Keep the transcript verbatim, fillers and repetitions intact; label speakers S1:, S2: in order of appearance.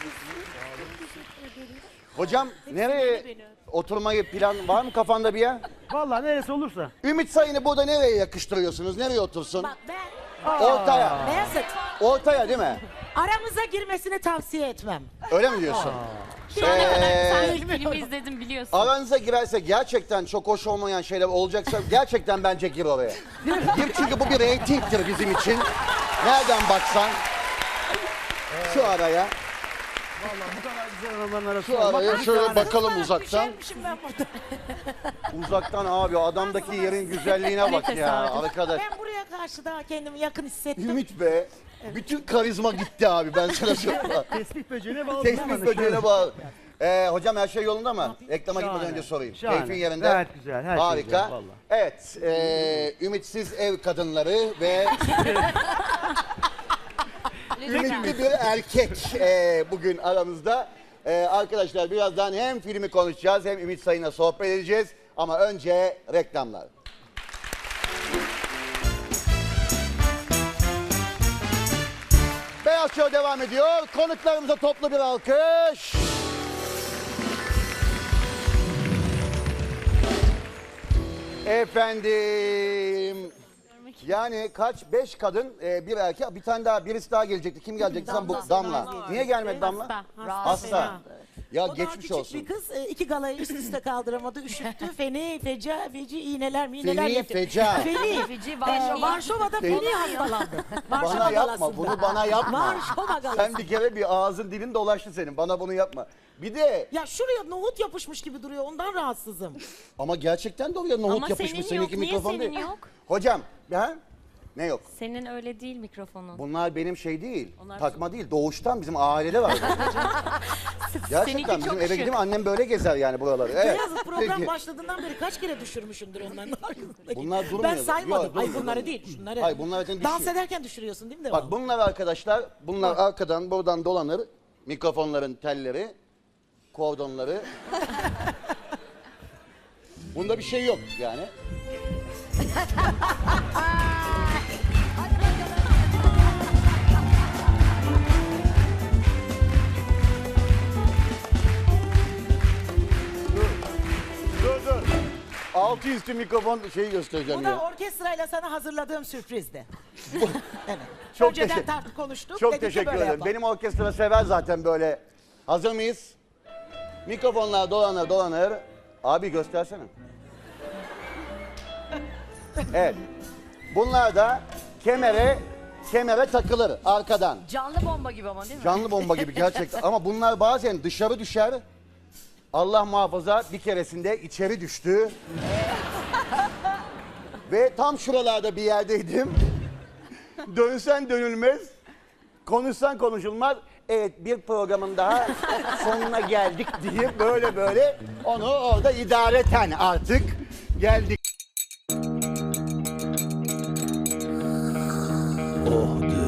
S1: Hocam nereye oturmayı plan var mı kafanda bir yer?
S2: Vallahi neresi olursa.
S1: Ümit Sayın'ı burada nereye yakıştırıyorsunuz? Nereye otursun?
S3: Bak ben
S1: Ortaya.
S3: Beyazıt
S1: Ortaya değil mi?
S3: aramıza girmesini tavsiye etmem.
S1: Öyle mi diyorsun?
S4: Şu ana kadar
S1: Ee,
S4: sen ilk filmi izledin biliyorsun.
S1: Aranıza girerse gerçekten çok hoş olmayan şeyler olacaksa gerçekten bence gir oraya. Gir çünkü bu bir reytingtir bizim için. Nereden baksan şu araya,
S2: Vallahi bu kadar güzel adamların arasında
S1: şu
S2: olmak
S1: araya
S2: nasıl
S1: şöyle
S2: yani?
S1: bakalım uzaktan.
S3: Düşermişim ben burada.
S1: Uzaktan abi adamdaki yerin güzelliğine bak ya arkadaş.
S3: Ben buraya karşı daha kendimi yakın hissettim.
S1: Ümit be, bütün karizma gitti abi ben sana söyleyeyim.
S2: Tespih böceğine bağlı.
S1: Tespih böceğine bağlı. Ee, hocam her şey yolunda mı? Reklama gitmeden
S2: Şahane.
S1: önce sorayım.
S2: Şahane.
S1: Keyfin yerinde.
S2: Gayet güzel, her şey
S1: Harika.
S2: güzel, vallahi.
S1: Evet, e, ümitsiz ev kadınları ve ümitli bir erkek e, bugün aramızda. E, arkadaşlar birazdan hem filmi konuşacağız hem Ümit Sayın'la sohbet edeceğiz. Ama önce reklamlar. Beyaz Show devam ediyor. Konuklarımıza toplu bir alkış. Efendim. Yani kaç? Beş kadın, e, bir erkek, bir tane daha, birisi daha gelecekti. Kim gelecekti? Sen bu Damla. Niye gelmedi Damla?
S4: Hasta.
S1: Hasta. Ya
S3: O daha
S1: geçmiş
S3: küçük
S1: olsun.
S3: bir kız e, iki galayı üst üste kaldıramadı, üşüttü. Feni, feca, feci, iğneler, miğneler
S1: Feni,
S3: yaptı.
S1: feca.
S3: Feni.
S4: Feci,
S3: Ee,
S4: Varşova.
S3: Varşova'da feni hastalandı. Varşova
S1: Bana yapma,
S3: galasında.
S1: bunu bana yapma.
S3: Varşova galası.
S1: Sen bir kere bir ağzın dilin dolaştı senin. Bana bunu yapma. Bir de
S3: Ya şuraya nohut yapışmış gibi duruyor, ondan rahatsızım.
S1: ama gerçekten de oraya nohut
S4: Ama
S1: yapışmış.
S4: senin
S1: Seninki
S4: yok. Niye
S1: mikrofon
S4: senin
S1: değil.
S4: yok?
S1: Hocam, ha? Ne yok?
S4: Senin öyle değil mikrofonun.
S1: Bunlar benim şey değil,
S4: Onlar
S1: takma değil, doğuştan bizim ailede var. Gerçekten
S4: Seninki
S1: bizim
S4: çok
S1: eve
S4: şık.
S1: gidip annem böyle gezer yani buraları. Evet.
S3: Beyazıt program
S1: Peki.
S3: başladığından beri kaç kere düşürmüşümdür onların arkasındaki.
S1: Bunlar durmuyor.
S3: Ben saymadım.
S1: Yok,
S3: Ay
S1: durmuyor,
S3: bunları
S1: durmuyor.
S3: değil, şunları.
S1: Hayır, bunlar zaten
S3: Dans
S1: düşüyor.
S3: ederken düşürüyorsun değil mi
S1: Bak
S3: devamlı?
S1: bunlar arkadaşlar, bunlar arkadan buradan dolanır. Mikrofonların telleri, kordonları. Bunda bir şey yok yani. Dur dur. Altı üstü mikrofon şeyi göstereceğim
S3: Bu da
S1: ya.
S3: orkestrayla sana hazırladığım sürprizdi. evet.
S1: Çok
S3: Önceden
S1: teşekkür-
S3: tartıştık, konuştuk.
S1: Çok
S3: dedik ki
S1: teşekkür
S3: böyle
S1: ederim.
S3: yapalım.
S1: Benim orkestra sever zaten böyle. Hazır mıyız? Mikrofonlar dolanır dolanır. Abi göstersene. Evet. Bunlar da kemere kemere takılır arkadan.
S4: Canlı bomba gibi ama değil mi?
S1: Canlı bomba gibi gerçekten. Ama bunlar bazen dışarı düşer. Allah muhafaza bir keresinde içeri düştü. Ve tam şuralarda bir yerdeydim. Dönsen dönülmez. Konuşsan konuşulmaz. Evet bir programın daha sonuna geldik diye böyle böyle onu orada idareten artık geldik. Oh